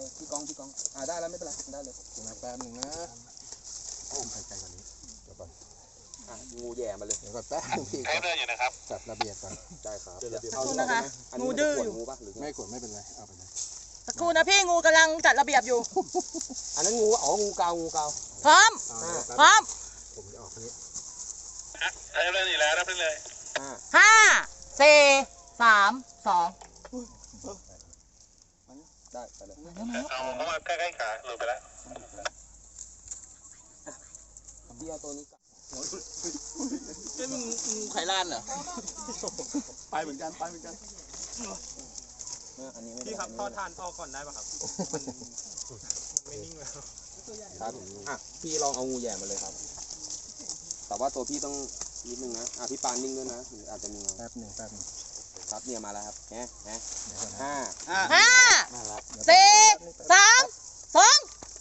พี่กองได้แล้วไม่เป็นไรได้เลยแป๊บนึงนะโอ้ใครใจกว่านี้เดี๋ยวก่อนงูแย่มาเลยเดี๋ยวก่อนแป๊บนึงพี่เดินอยู่นะครับจัดระเบียบก่อนได้ครับขอบคุณนะคะงูดื้ออยู่ไม่กดไม่เป็นไรเอาไปเลยสักครู่นะพี่งูกำลังจัดระเบียบอยู่อันนั้นงูงูเกาพร้อมพร้อมผมจะออกนี้เดินอยู่แล้วรับได้เลยห้าสี่สามสองได้ไปเลยเอาเข้ามาใกล้ๆขาหลุดไปแล้วพี่เอาตัวนี้ก่อนเป็นงูไข่ล้านเหรอไปเหมือนกันอันนี้พี่ครับทอดทานออกก่อนได้ป่ะครับไม่นิ่งแล้วครับพี่ลองเอางูแย่มาเลยครับแต่ว่าตัวพี่ต้องนิดนึงนะพี่ปานนิ่งด้วยนะอาจจะมีแป๊บหนึ่งครับเนี่ยมาแล้วครับห้าสี่สามสอง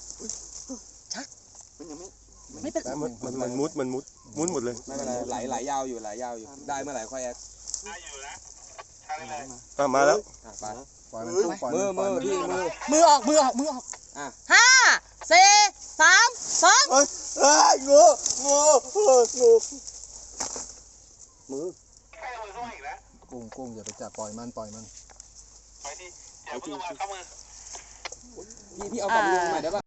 ไม่เป็นมันมุดหมดเลยไม่เป็นไรไหลยาวอยู่ได้เมื่อไหร่ค่อยแอคได้อยู่นะทานได้เลยมาแล้วไปปล่อยมันมือพี่มือออกห้าสี่สามสองงูมือใกล้มือเข้ามาอีกแล้วกุ้งอย่าไปจับปล่อยมันไปที่อย่าเพิ่งมาเข้ามือพี่เอากลับมือใหม่ได้ป่ะ